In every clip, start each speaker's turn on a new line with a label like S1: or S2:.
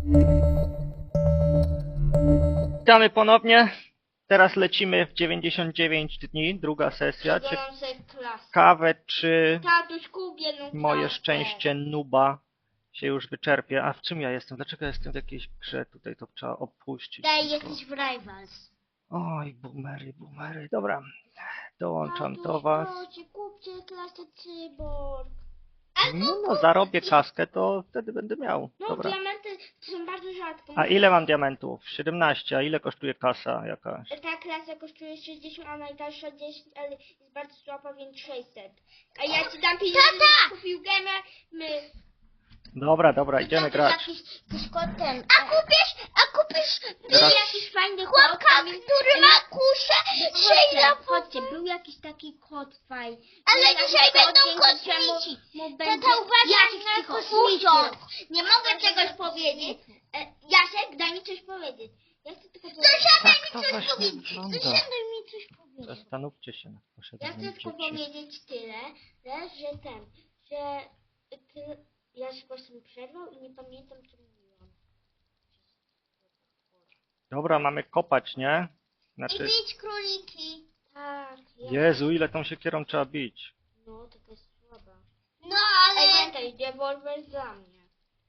S1: Witamy ponownie. Teraz lecimy w 99 dni, druga sesja.
S2: Przeglądam sobie klasę.
S1: Ciekawe, czy
S2: Tatuś, kup jedną
S1: moje
S2: klasę.
S1: szczęście nuba się już wyczerpie. A w czym ja jestem? Dlaczego ja jestem w jakiejś grze? Tutaj to trzeba opuścić.
S2: Daj, jesteś w Rivals.
S1: Oj, boomery. Dobra, dołączam
S2: Tatuś,
S1: do was.
S2: proszę, kupcie klasę cyborg.
S1: No, zarobię kaskę, to wtedy będę miał.
S2: No,
S1: Dobra.
S2: diamenty są bardzo rzadko.
S1: A ile mam diamentów? 17. A ile kosztuje kasa jakaś?
S2: Ta klasa kosztuje 60, a najtańsza 10, ale jest bardzo słaba, więc 600. A ja ci dam pieniądze, żebyś kupił gamer,
S1: Dobra, idziemy grać.
S2: Jakiś kod ten. A kupisz
S1: Teraz-
S2: jakiś fajny
S3: Chłopka,
S2: kod.
S3: który ma kuszę, Sheila.
S2: Chodźcie, był jakiś taki kod fajny.
S3: Ale
S2: Był
S3: dzisiaj
S2: taki kod,
S3: będą
S2: dzięki czemu
S3: kosmici.
S2: mu
S3: Tata
S2: będzie
S3: uważaj
S2: jakiś
S3: na
S2: cicho,
S3: kosmitów.
S2: Nie mogę czegoś powiedzieć. Jasiek, daj mi coś powiedzieć. Ja chcę tylko powiedzieć.
S3: Zasiadaj
S1: Tak to
S3: mi coś
S1: właśnie
S3: powiedzieć.
S1: wygląda.
S3: Zasiadaj mi coś powiedzieć.
S1: Zastanówcie się nad
S2: Ja
S1: posiadaniem
S2: chcę tylko
S1: dzieci.
S2: powiedzieć tyle, że Jasiek właśnie mi przerwał i nie pamiętam, co mówiłam.
S1: Dobra, mamy kopać, nie?
S3: I
S1: Znaczy,
S3: bić króliki.
S2: Tak,
S1: Jezu, ile tą siekierą trzeba bić.
S2: No, taka jest słaba.
S3: No
S2: Ej,
S3: ale...
S2: pamiętaj, rewolwer dla mnie.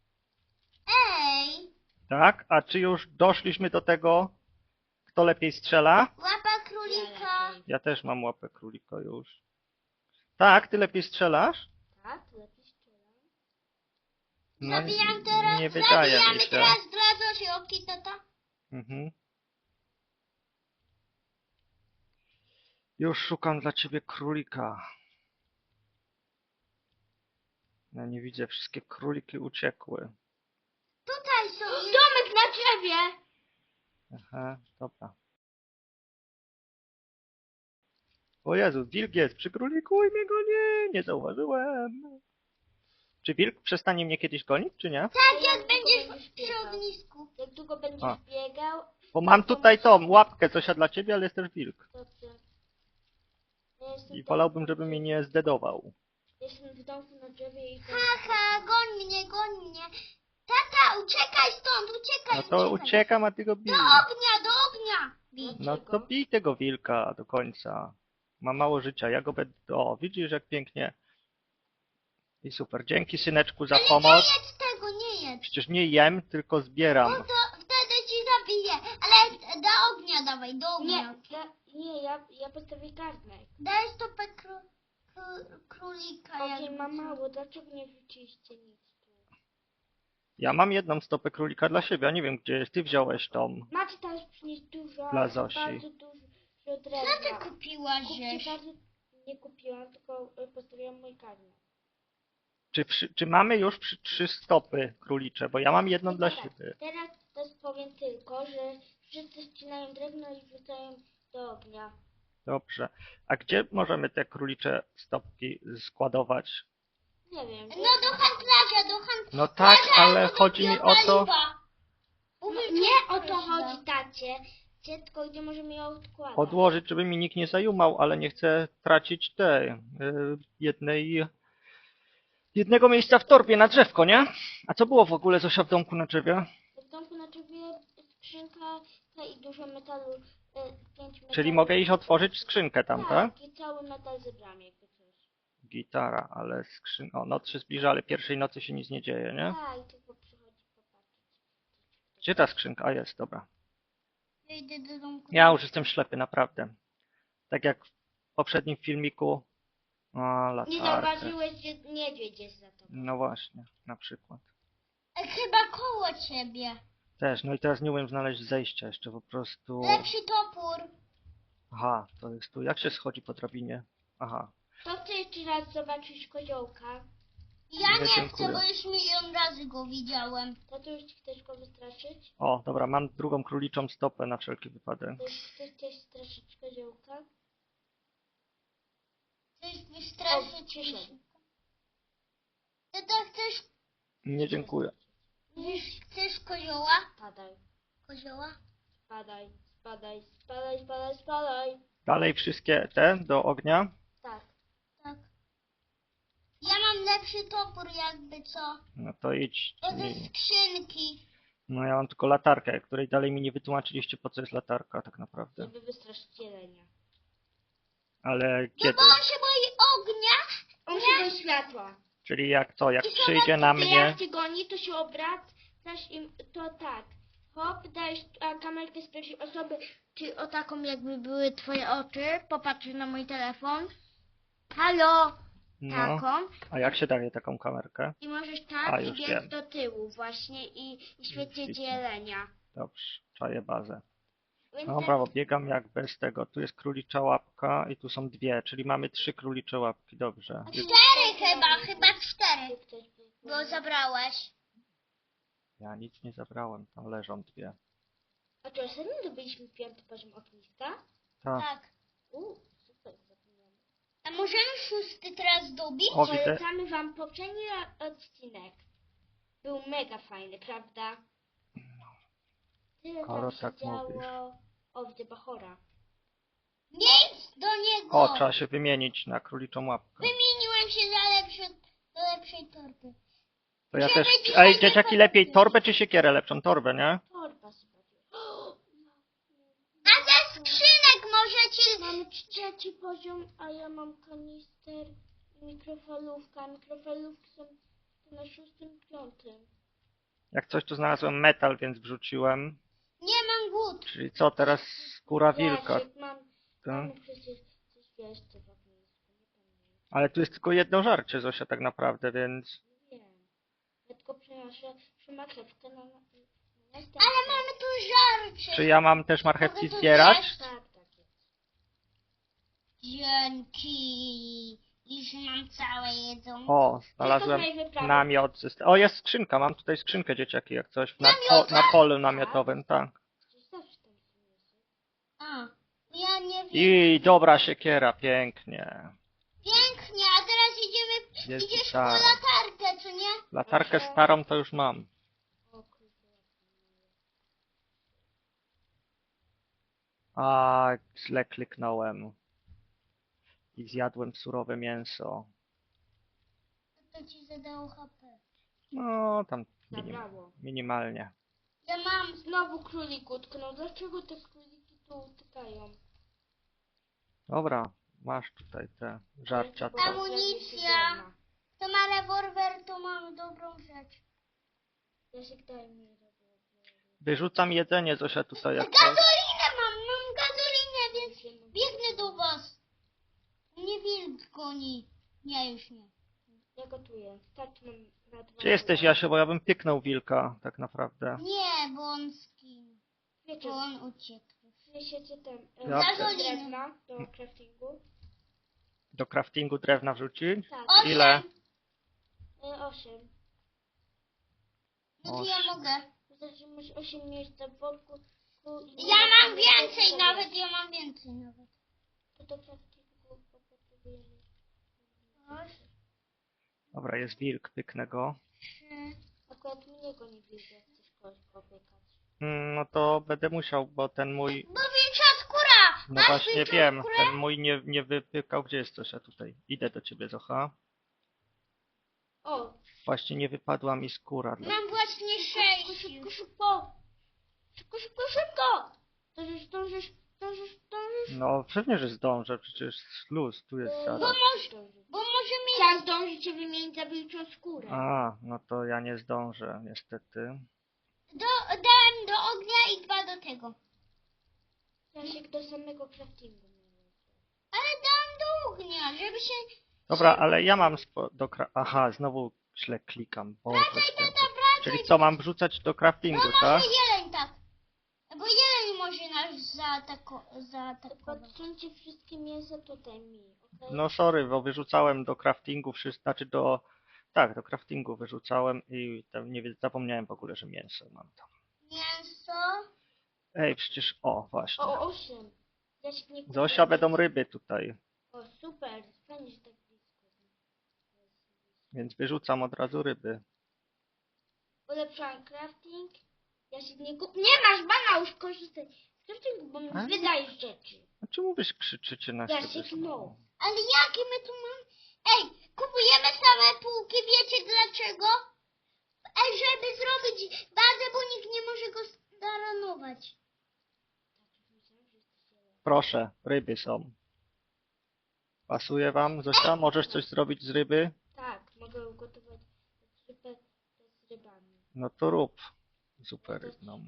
S3: Ej,
S1: Tak? A czy już doszliśmy do tego, kto lepiej strzela?
S3: łapa królika.
S1: Ja też mam łapę królika już. Tak, ty lepiej strzelasz?
S2: Tak, lepiej strzelam.
S1: No,
S3: Zabijam teraz,
S1: nie wydaje mi
S3: zabijamy
S1: się.
S3: teraz dla Zosioki, tata.
S1: Mhm. Już szukam dla ciebie królika. Ja nie widzę, wszystkie króliki uciekły.
S3: Tutaj są...
S2: Domek na drzewie!
S1: Aha, dobra. O Jezu, wilk jest przy króliku i mnie goni, nie zauważyłem. Czy wilk przestanie mnie kiedyś gonić, czy nie?
S3: Tak,
S2: Ja
S3: jak
S2: tylko
S3: będziesz
S2: będziesz
S3: przy
S2: biegał.
S3: ognisku.
S2: Jak długo będziesz
S1: A.
S2: biegał,
S1: Bo mam tutaj tą łapkę, coś dla ciebie, ale jest też wilk.
S2: dobrze. Ja jestem
S1: I
S2: w
S1: wolałbym,
S2: domku
S1: żeby
S2: na
S1: mnie
S2: drzewie.
S1: nie zdedował.
S2: Jestem w domku na drzewie i...
S3: Haha, goń mnie. Tata, uciekaj stąd, uciekaj,
S1: No to uciekam, a ty go bij.
S3: Do ognia. Bij.
S1: No to bij tego wilka do końca. Ma mało życia, ja go będę... O, widzisz jak pięknie. I super, dzięki syneczku za
S3: Ale
S1: pomoc.
S3: nie jedz tego, nie jedz.
S1: Przecież nie jem, tylko zbieram.
S3: No to wtedy ci zabiję. Ale do ognia dawaj, do ognia.
S2: Ja postawię garnek.
S3: Daj stopę królika.
S2: Okej,
S3: jakby
S2: mam
S3: co.
S2: mało, dlaczego nie wrzuciliście nic tu?
S1: Ja mam jedną stopę królika dla siebie, a nie wiem gdzie jest. Ty wziąłeś tą.
S2: Macie teraz przynieść dużo,
S1: Dla Zosi.
S2: bardzo dużo
S3: Co
S2: drewna.
S3: ty kupiłaś,
S2: Kupcie
S3: żeś?
S2: bardzo... Nie kupiłam, tylko postawiłam mój garnek.
S1: Czy mamy już 3 stopy królicze? Bo ja mam jedną
S2: No
S1: dla
S2: tak,
S1: siebie.
S2: Teraz powiem tylko, że wszyscy ścinają drewno i wrzucają do ognia.
S1: Dobrze. A gdzie możemy te królicze stopki składować?
S2: Nie wiem.
S3: No do handlarza, do handlarza.
S1: No tak, ale chodzi mi o to...
S2: Nie o to chodzi, tacie. Tylko gdzie możemy ją odkładać.
S1: Odłożyć, żeby mi nikt nie zajumał, ale nie chcę tracić jednego miejsca w torbie na drzewko, nie? A co było w ogóle Zosia w domku na drzewie?
S2: W domku na drzewie skrzynka i dużo metalu, 5 metalu.
S1: Czyli mogę iść otworzyć skrzynkę tam, tak?
S2: I cały metal zebrałem, jakby coś.
S1: Gitara, ale O, noc się zbliża, ale pierwszej nocy się nic nie dzieje, nie?
S2: Tak, tylko przychodzi popatrzeć.
S1: Gdzie ta skrzynka? A jest, dobra.
S3: Ja idę do domku.
S1: Ja już jestem ślepy, naprawdę. Tak jak w poprzednim filmiku. O,
S2: Nie
S1: latarkę.
S2: zauważyłeś, że niedźwiedź jest za tobą.
S1: No właśnie, na przykład.
S3: Chyba koło ciebie.
S1: Też, no i teraz nie umiem znaleźć zejścia jeszcze po prostu.
S3: Lepszy topór.
S1: Aha, to jest tu. Jak się schodzi po drabinie? Aha.
S2: To chcę jeszcze raz zobaczyć koziołka.
S3: Ja
S1: Nie,
S3: nie
S1: dziękuję.
S3: chcę, bo już milion razy go widziałem.
S2: To ty już chcesz go wystraszyć?
S1: O, dobra, mam drugą króliczą stopę na wszelki wypadek.
S2: To już chcesz straszyć koziołka?
S3: Chcesz wystraszyć
S2: przyszedł.
S3: Tata, chcesz,
S1: Nie, dziękuję.
S3: chcesz kozioła?
S2: Spadaj,
S3: Kozioła?
S2: spadaj, spadaj, spadaj, spadaj, spadaj.
S1: Dalej wszystkie te do ognia.
S2: Tak.
S3: Tak. Ja mam lepszy topór jakby co.
S1: No to idź.
S3: To ze skrzynki.
S1: No ja mam tylko latarkę, której dalej mi nie wytłumaczyliście, po co jest latarka tak naprawdę.
S2: Żeby wystraszyć jelenia.
S1: Ale
S3: No
S1: kiedy?
S3: bo on się boi ognia.
S2: On się boi światła.
S1: Czyli jak to? Jak
S3: I
S1: przyjdzie na
S2: Ty
S1: mnie...
S2: jak cię goni, to się obracasz i to tak. Hop, dajesz kamerkę z pierwszej osoby, czy o taką jakby były twoje oczy. Popatrz na mój telefon. Halo!
S1: No,
S2: Taką.
S1: a jak się daje taką kamerkę?
S2: I możesz
S1: A,
S2: tak i
S1: już
S2: biec
S1: wiem.
S2: do tyłu właśnie i świecić
S1: widzę.
S2: jelenia.
S1: Dobrze, czaję bazę.
S2: Więc
S1: No brawo, biegam jak bez tego. Tu jest królicza łapka i tu są dwie, czyli mamy 3 królicze łapki, dobrze.
S3: Cztery chyba 4.
S2: ktoś był-
S3: Bo zabrałeś.
S1: Ja nic nie zabrałem, tam leżą dwie.
S2: A to ostatnio zdobyliśmy 5. poziom ogniska?
S1: Tak.
S3: Tak.
S2: Super, zapomniałam.
S3: A możemy 6 teraz dobić?
S1: O, widzę.
S2: Polecamy wam poprzedni odcinek. Był mega fajny, prawda? Tyle
S1: Skoro
S2: tam się
S1: tak
S2: działo.
S1: mówisz.
S2: O, widzę Bachora.
S3: Miejsc do niego.
S1: O, trzeba się wymienić na króliczą łapkę.
S3: Wymieniłem się do lepszej torby.
S1: To ja
S3: Żeby
S1: też...
S3: dzisiaj
S1: Ej,
S3: nie
S1: dzieciaki,
S3: było-
S1: lepiej torbę czy siekierę lepszą? Torbę, nie?
S2: Torba sobie.
S3: A ze skrzynek możecie...
S2: Mamy 3. poziom, a ja mam kanister i mikrofalówka. Mikrofalówki są na 6. 5.
S1: Jak coś tu znalazłem metal, więc wrzuciłem.
S3: Nie mam głód.
S1: Czyli co, teraz skóra wilka.
S2: Jasiek,
S1: Tak?
S2: mamy przecież coś jeszcze w ognisku. Nie pamiętam.
S1: Ale tu jest tylko jedno żarcie, Zosia, tak naprawdę, więc...
S2: Nie wiem. Ja tylko przenoszę marchewkę na następny.
S3: Ale mamy tu żarcie.
S1: Czy ja mam też marchewki
S3: Mogę to
S1: zbierać?
S3: zjeść?
S2: Tak, tak jest.
S3: Dzięki. Już mam całe jedzonko.
S1: O, znalazłem
S2: Tylko tutaj wyprawy.
S1: namiot. O, jest skrzynka, mam tutaj skrzynkę, dzieciaki, jak coś. Na polu namiotowym, tak.
S2: Przecież zawsze tam są mięso.
S3: A, ja nie wiem.
S1: I dobra siekiera, pięknie.
S3: Pięknie, a teraz
S1: Jest
S3: idziesz po
S1: gitara.
S3: latarkę, co nie?
S1: Latarkę starą to już mam.
S2: O kurde.
S1: A, źle kliknąłem. I zjadłem surowe mięso.
S3: To ci zadało HP.
S1: No, tam
S2: Zabrało.
S1: minimalnie.
S3: Ja mam...
S2: Znowu królik utknął. Dlaczego te króliki tu utykają?
S1: Dobra, masz tutaj te żarcia. To.
S3: Amunicja. Kto ma rewolwer, to mam dobrą rzecz.
S2: Jasiek, daj mi rewolwer.
S1: Wyrzucam jedzenie, Zosia, tutaj jak coś.
S3: Gazolinę mam gazolinę, więc biegnę do was. Mnie wilk goni. Nie, już nie.
S2: Ja gotuję. Starczy mam na 2.
S1: Gdzie jesteś, Jasio, bo ja bym pyknął wilka, tak naprawdę.
S3: Nie, bo on skin.
S2: Wiecie,
S3: Bo on uciekł.
S2: wiecie ten
S1: Ja
S2: drewna do craftingu?
S1: Do craftingu drewna wrzucić?
S2: Tak.
S3: 8.
S1: Ile?
S2: 8.
S3: No to ja mogę.
S2: Znaczy masz 8 miejsc w boku.
S3: Ja mam więcej nawet, ja mam więcej nawet.
S2: To do craftingu potrzebujemy.
S1: Dobra, jest wilk, pyknę go.
S3: 3.
S2: Akurat mnie go nie widzę, jak chcesz kogoś popykać.
S1: No to będę musiał, bo ten mój...
S3: Bo wilcza skóra!
S1: No
S3: Masz
S1: właśnie
S3: wilczą
S1: wiem,
S3: skórę?
S1: ten mój nie wypykał. Gdzie jest Zosia tutaj? Idę do ciebie, Zocha.
S2: O!
S1: Właśnie nie wypadła mi skóra.
S3: Mam właśnie 6
S2: Szybko,
S3: już.
S2: szybko! Szybko, szybko, szybko! Zdążysz.
S1: No pewnie, że zdążę, przecież luz, tu jest zaraz.
S3: Bo możemy...
S2: Chciałam zdążyć się wymienić za wilczą skórę.
S1: A, no to ja nie zdążę, niestety.
S3: Dałem do ognia i 2 do tego.
S2: Jasiek do samego craftingu.
S3: Ale dałem do ognia, żeby się...
S1: Dobra, ale ja mam Aha, znowu źle klikam. Boże święty. Czyli co, mam wrzucać do craftingu,
S3: No
S1: tak?
S3: może jeleń tak. Bo jeleń może nas zaatakować.
S2: Podsuńcie wszystkie mięsa tutaj mi, okej?
S1: No sorry, bo wyrzucałem do craftingu wszystko, znaczy do... Tak, do craftingu wyrzucałem i tam nie zapomniałem w ogóle, że mięso mam tam.
S3: Mięso.
S1: Ej, przecież... O, właśnie.
S2: O, 8. Jasiek nie kupił.
S1: Zosia, będą ryby tutaj,
S2: O, super. Fajnie, że tak blisko.
S1: więc wyrzucam od razu ryby.
S2: Ulepszałam crafting. Jasiek nie kupił. Nie masz bana, już korzystaj z craftingu, bo mi
S1: A?
S2: wydajesz rzeczy.
S1: A czemu wy krzyczycie na siebie?
S2: Jasiek,
S1: znowu?
S2: no.
S3: Ale jakie my tu mamy? Ej, kupujemy same półki, wiecie dlaczego? Ej, żeby zrobić bazę, bo nikt nie
S1: proszę, ryby są. Pasuje wam, Zosia? Możesz coś zrobić z ryby?
S2: Tak, mogę ugotować zupę z rybami.
S1: No to rób. Super rybną.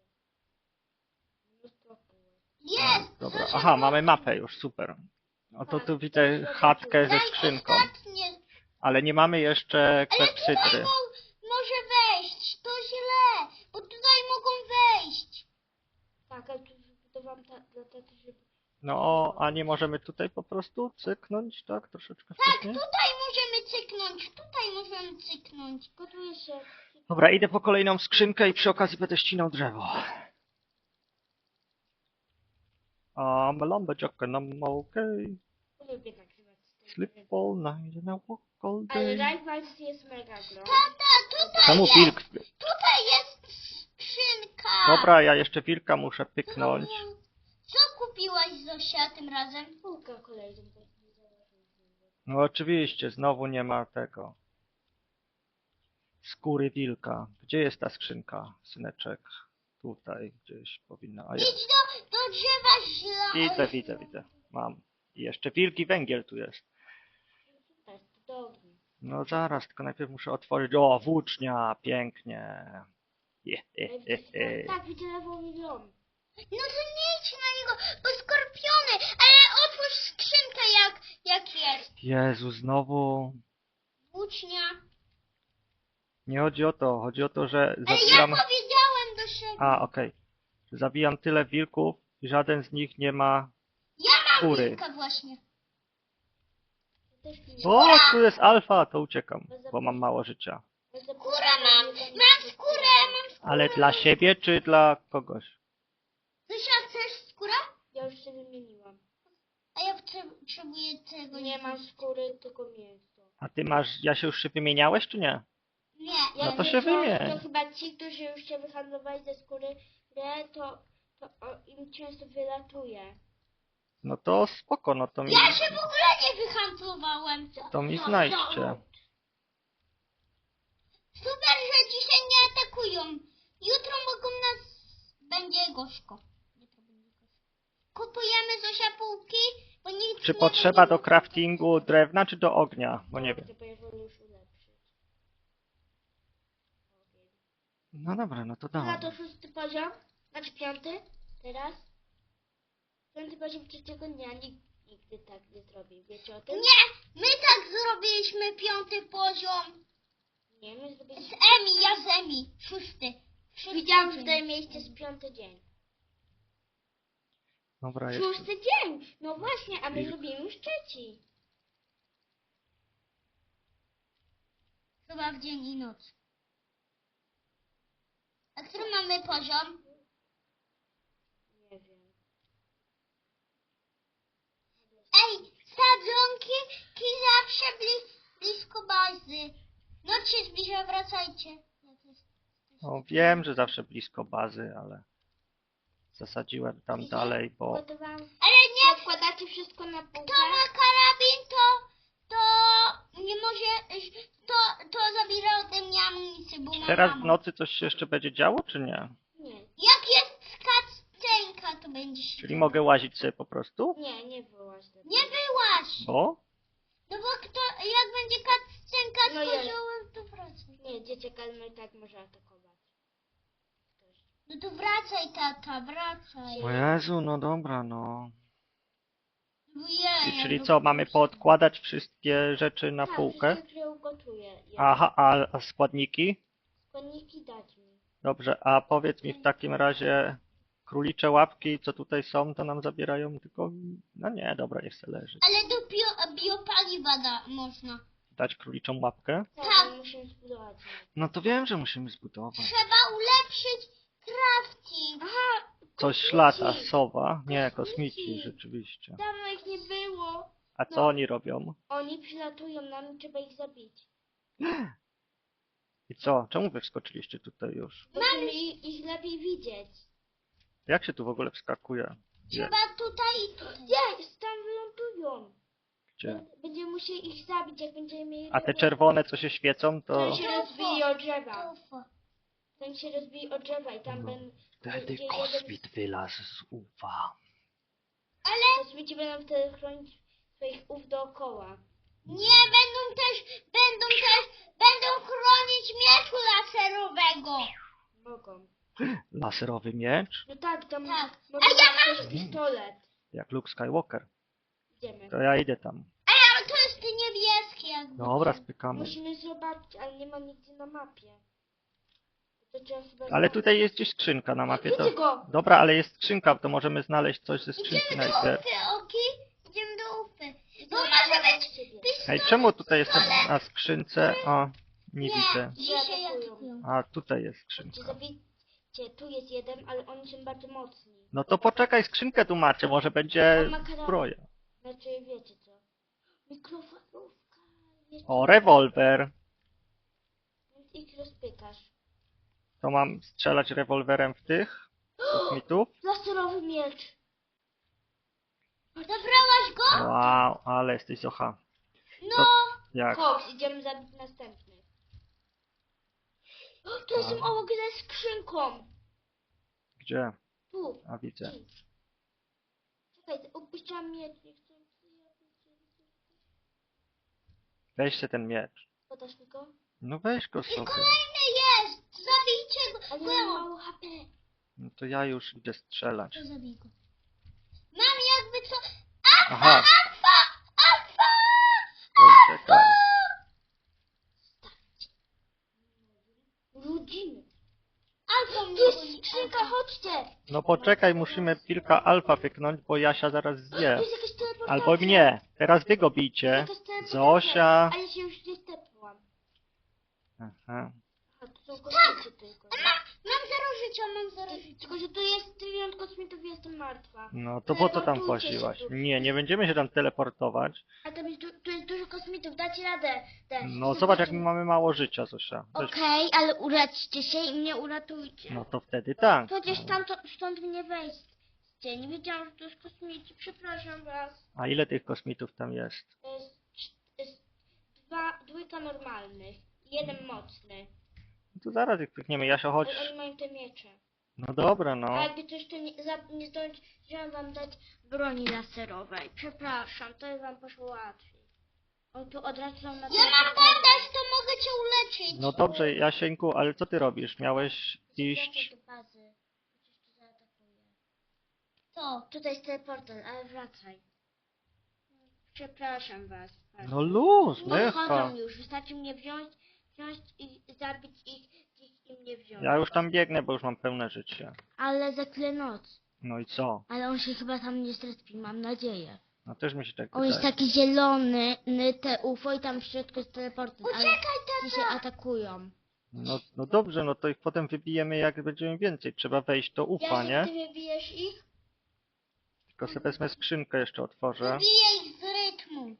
S2: Mnóstwo kółek.
S3: Jest!
S1: Dobra,
S3: Zosia,
S1: aha, mamy mapę już, super. No to tu widzę chatkę ze
S3: daj
S1: skrzynką.
S3: ostatnie.
S1: Ale nie mamy jeszcze
S3: Ale tutaj
S1: klepsydry.
S3: może wejść. To źle, bo tutaj mogą wejść.
S2: Tak, ale tu wybudowałam dla taty, żeby...
S1: No, a nie możemy tutaj po prostu cyknąć, tak? Troszeczkę
S3: Tak,
S1: wcześniej?
S3: tutaj możemy cyknąć. Tutaj możemy cyknąć.
S2: Gotuję się.
S1: Dobra, idę po kolejną skrzynkę i przy okazji będę ścinał drzewo. Lumberjack and I'm okay.
S2: Lubię nagrywać z tym.
S1: Sleep all night and I walk all
S2: Ale
S1: day.
S2: Rivals jest mega gro.
S3: Tata, tutaj
S1: Czemu
S3: jest.
S1: wilk?
S3: Tutaj jest skrzynka.
S1: Dobra, ja jeszcze wilka muszę pyknąć.
S3: Co kupiłaś, Zosia, tym razem?
S2: Półka kolejną.
S1: No oczywiście, znowu nie ma tego. Skóry wilka. Gdzie jest ta skrzynka, syneczek? Tutaj gdzieś powinna. A jest.
S3: Idź do drzewa
S1: Widzę. Mam. I jeszcze wilki węgiel tu jest.
S2: Tak, cudownie.
S1: No zaraz, tylko najpierw muszę otworzyć. O, włócznia, pięknie.
S2: Tak, widzę lewą dom.
S3: No to nie idź na niego, bo skorpiony, ale otwórz skrzynkę jak jest.
S1: Jezu, znowu.
S3: Włócznia.
S1: Nie chodzi o to, chodzi o to, że
S3: Ale ja
S1: zabijam...
S3: powiedziałem do siebie.
S1: A, okej. Zabijam tyle wilków i żaden z nich nie ma
S3: Ja mam
S1: skóry.
S3: wilka właśnie.
S2: Też mi
S1: O, tu jest alfa, to uciekam, bo mam mało życia.
S3: Skórę mam skórę.
S1: Ale dla siebie czy dla kogoś?
S3: Zosia, chcesz skórę?
S2: Ja już się wymieniłam.
S3: A ja potrzebuję tego.
S2: Nie mam skóry, tylko mięso.
S1: A ty masz, Jasiu, już się wymieniałeś czy nie?
S3: Nie.
S1: No to się wymień.
S2: To chyba ci, którzy już się wyhandlowali ze skóry, im często wylatuje.
S1: No to spoko, no to mi,
S3: Ja się w ogóle nie wyhandlowałem.
S1: to mi znajdźcie.
S3: Super, że dzisiaj nie atakują. Jutro mogą nas... Będzie gorzko. Kupujemy, Zosia, półki, bo nikt
S1: Czy
S3: nie
S1: potrzeba
S3: będzie
S1: do
S3: mógł-
S1: craftingu drewna czy do ognia? Bo nie wiem.
S2: Bo ja wolę już ulepszyć.
S1: No dobra, no to
S2: Na
S1: dawaj.
S2: to 6. poziom, znaczy 5. teraz. 5. poziom 3. dnia, nigdy tak nie zrobię, wiecie o tym?
S3: Nie, my tak zrobiliśmy 5. poziom.
S2: Nie, my
S3: Z
S2: zrobiliśmy...
S3: Emi, ja z Emi. 6.
S2: Widziałam tutaj miejsce z 5. dzień.
S1: Dobra,
S2: 6.
S1: jeszcze.
S2: dzień! No właśnie, a my
S1: Wilk.
S2: zrobimy już 3.
S3: Chyba w dzień i noc. A który mamy poziom?
S2: Nie wiem.
S3: Ej, sadzonki zawsze blisko bazy. Noc się zbliża, wracajcie.
S1: No wiem, że zawsze blisko bazy, ale zasadziłem tam dalej, bo
S2: Gotowałam.
S3: Ale nie,
S2: Wkładacie wszystko na półkę.
S3: kto ma karabin, to nie może, to zabiera ode mnie amunicję, bo mam
S1: teraz w
S3: ammo.
S1: nocy coś się jeszcze będzie działo, czy nie?
S2: Nie,
S3: Jak jest cutscenka, to będzie się
S1: Czyli mogę łazić sobie po prostu?
S2: nie wyłaź do
S3: Nie wyłaź!
S1: Bo?
S3: No bo jak będzie cutscenka z
S2: No jest.
S3: koziołem, to wracaj.
S2: Nie, dzieciak ale i tak może atakować. Ktoś.
S3: No to wracaj, tata, wracaj.
S1: O Jezu, no dobra, no.
S3: Ojej,
S1: Czyli
S3: no
S1: co, mamy poodkładać wszystkie rzeczy na
S2: Tak,
S1: półkę?
S2: wszystkie, które ugotuję.
S1: Aha, a składniki?
S2: Składniki dać mi.
S1: Dobrze, a powiedz mi w takim razie, królicze łapki, co tutaj są, to nam zabierają tylko... No nie, dobra, niech se leży.
S3: Ale do biopaliwa można.
S1: Dać króliczą łapkę?
S2: Tak,
S3: Tak.
S2: ale musimy zbudować.
S1: No to wiem, że musimy zbudować.
S3: Trzeba ulepszyć crafting.
S2: Aha,
S1: Coś lata, sowa. Nie, kosmici, rzeczywiście.
S2: dawno ich nie było.
S1: A co oni robią?
S2: Oni przylatują nam i trzeba ich zabić.
S1: I co? Czemu wy wskoczyliście tutaj już?
S2: Musimy ich lepiej widzieć.
S1: Jak się tu w ogóle wskakuje? Gdzie?
S3: Trzeba tutaj i tutaj.
S2: Jest, tam wylądują.
S1: Gdzie?
S2: Będziemy musieli ich zabić, jak będziemy mieli...
S1: A te czerwone, co się świecą, to...
S2: To się rozbije o drzewa.
S3: Ufo.
S2: Ten się rozbije o drzewa i tam
S1: No.
S2: będą...
S1: Wtedy
S2: gdzie
S1: kosmit wylazł z UFA.
S3: Ale
S2: Kosmici będą wtedy chronić swoich ów dookoła.
S3: nie będą chronić mieczu laserowego.
S2: Mogą.
S1: Laserowy miecz?
S2: No tak, tam
S3: Tak.
S2: może
S3: A ja
S2: być
S3: mam-
S2: też pistolet.
S1: Jak Luke Skywalker.
S2: Idziemy.
S1: To ja idę tam.
S3: Ale to jest niebieskie jakby.
S1: Dobra, spykamy.
S2: Musimy zobaczyć, ale nie ma nigdzie na mapie. To trzeba chyba
S1: Ale
S2: znaleźć.
S1: tutaj jest gdzieś skrzynka na mapie.
S2: Widzę go!
S1: Dobra, ale jest skrzynka, to możemy znaleźć coś ze skrzynki
S3: Idziemy do
S1: najpierw.
S3: Ufy, okej? Idziemy do Ufy. Bo
S2: Idziemy
S3: może
S2: do
S3: być
S2: siebie.
S1: Ej, czemu tutaj jest na skrzynce? O, nie widzę.
S3: Dzisiaj
S2: Atakują.
S3: atakują.
S1: A, tutaj jest
S2: Chodźcie,
S1: skrzynka.
S2: zabijcie. Tu jest jeden, ale oni są bardzo mocni.
S1: No to poczekaj, skrzynkę tu macie, może będzie
S2: On ma karabin.
S1: zbroja.
S2: Znaczy, wiecie co? Mikrofalówka. Jest
S1: O, rewolwer.
S2: Więc ich rozpykasz.
S1: To mam strzelać rewolwerem w tych kosmitów?
S2: Laserowy miecz.
S3: Zabrałaś go?
S1: Wow, ale jesteś zocha.
S3: No.
S1: Jak?
S2: Koks, idziemy zabić następny. O, to jestem obok ze skrzynką.
S1: Gdzie?
S2: Tu.
S1: A widzę.
S2: Idź. Czekaj, opuściłam miecz. Nie chcę.
S1: Weź se ten miecz.
S2: Podasz mi go?
S1: No weź go
S3: I
S1: sobie.
S3: kolejny jest. Zabijcie go.
S2: Ale ja mam mało HP.
S1: No to ja już idę strzelać.
S3: To zabij go. Mam jakby co...
S1: Aha,
S3: Alfa!
S1: to czekaj.
S2: Rodziny.
S3: Alfa
S2: Tu
S3: mnie
S2: jest
S3: boli.
S2: skrzynka, chodźcie.
S1: No poczekaj, musimy pilka alfa pyknąć, bo Jasia zaraz
S2: Tu
S1: zje.
S2: jest jakaś teleportacja.
S1: Albo mnie. Teraz wy go bijcie.
S2: Jakaś teleportacja.
S1: Zosia.
S2: A ja się już nie stepłam.
S1: Aha.
S2: A tu są kosmici tylko.
S3: Mam 0 życia, mam 0 życia.
S2: Tylko, że tu jest trylion kosmitów i jestem martwa.
S1: No to po co tam
S2: Teleportujcie się
S1: właziłaś?
S2: tu.
S1: Nie będziemy się tam teleportować.
S2: A tam jest, tu jest dużo kosmitów, dacie radę.
S1: No zobacz jak my mamy mało życia, Zosia. Weź.
S2: Okej, ale uradźcie się i mnie uratujcie.
S1: No to wtedy tak.
S2: Chociaż tam stąd mnie wejście. Nie wiedziałam, że to jest kosmici. Przepraszam was.
S1: A ile tych kosmitów tam jest?
S2: To jest dwójka normalnych. Jeden mocny.
S1: No to zaraz ich pykniemy. Jasio, chodź.
S2: Ale oni mają te miecze.
S1: No dobra,
S2: A
S1: no.
S2: jakby coś to nie zdążyłam wam dać broni laserowej. Przepraszam, to wam poszło łatwiej. On tu od razu są na
S3: Ja mam bandaż, to mogę cię uleczyć.
S1: No dobrze, Jasieńku, ale co ty robisz? Miałeś iść...
S2: do bazy. Chociaż tu zaatakuję.
S3: Co?
S2: Tutaj jest teleporter, ale wracaj. Przepraszam was. bardzo.
S1: No luz, mycha.
S2: Odchodzą już, wystarczy mnie wziąć i zabić ich i mnie wziąć.
S1: Ja już tam biegnę, bo już mam pełne życie.
S2: Ale za tyle noc.
S1: No i co?
S2: Ale on się chyba tam nie zrespi, mam nadzieję.
S1: No też mi się tak
S2: On jest
S1: wydaje.
S2: taki zielony, te UFO i tam w środku jest teleporter, ale
S3: Uciekaj,
S2: ci się atakują.
S1: No dobrze, no to ich potem wybijemy jak będziemy więcej. Trzeba wejść do ufa, nie?
S2: Ty wybijesz ich?
S1: Tylko sobie wezmę skrzynkę jeszcze otworzę.
S3: Zabijaj ich z rytmu.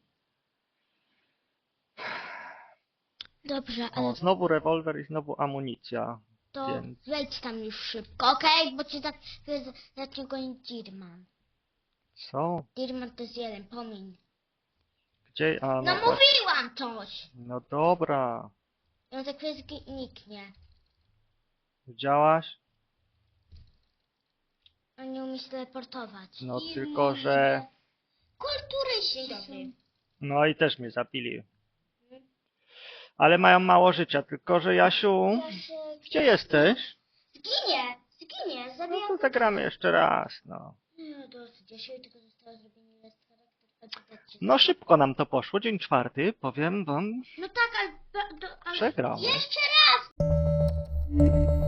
S2: Dobrze, ale
S1: O, znowu rewolwer i znowu amunicja.
S2: to
S1: więc-
S2: wejdź tam już szybko, okej? Bo cię tak zacznie gonić Dirman.
S1: Co?
S2: Dirman to jest jeden, pomiń.
S1: Gdzie? A,
S2: No
S1: no, tak.
S2: mówiłam coś!
S1: No dobra.
S2: I on za chwilę zniknie.
S1: Widziałaś?
S2: On nie umie się teleportować.
S1: No
S3: I
S1: tylko,
S3: mówię.
S1: że...
S3: Kulturyści
S2: Dzień
S3: są.
S2: dobry.
S1: No i też mnie zabili. Ale mają mało życia, tylko że Jasiu... Gdzie jesteś?
S2: Zginie,
S1: No
S2: zabijam.
S1: to zagramy jeszcze raz, no.
S2: No dosyć, ja się tylko zostało zrobienie list charakter.
S1: No szybko nam to poszło, dzień czwarty, powiem wam,
S2: No tak, ale...
S1: przegrał.
S3: Jeszcze raz!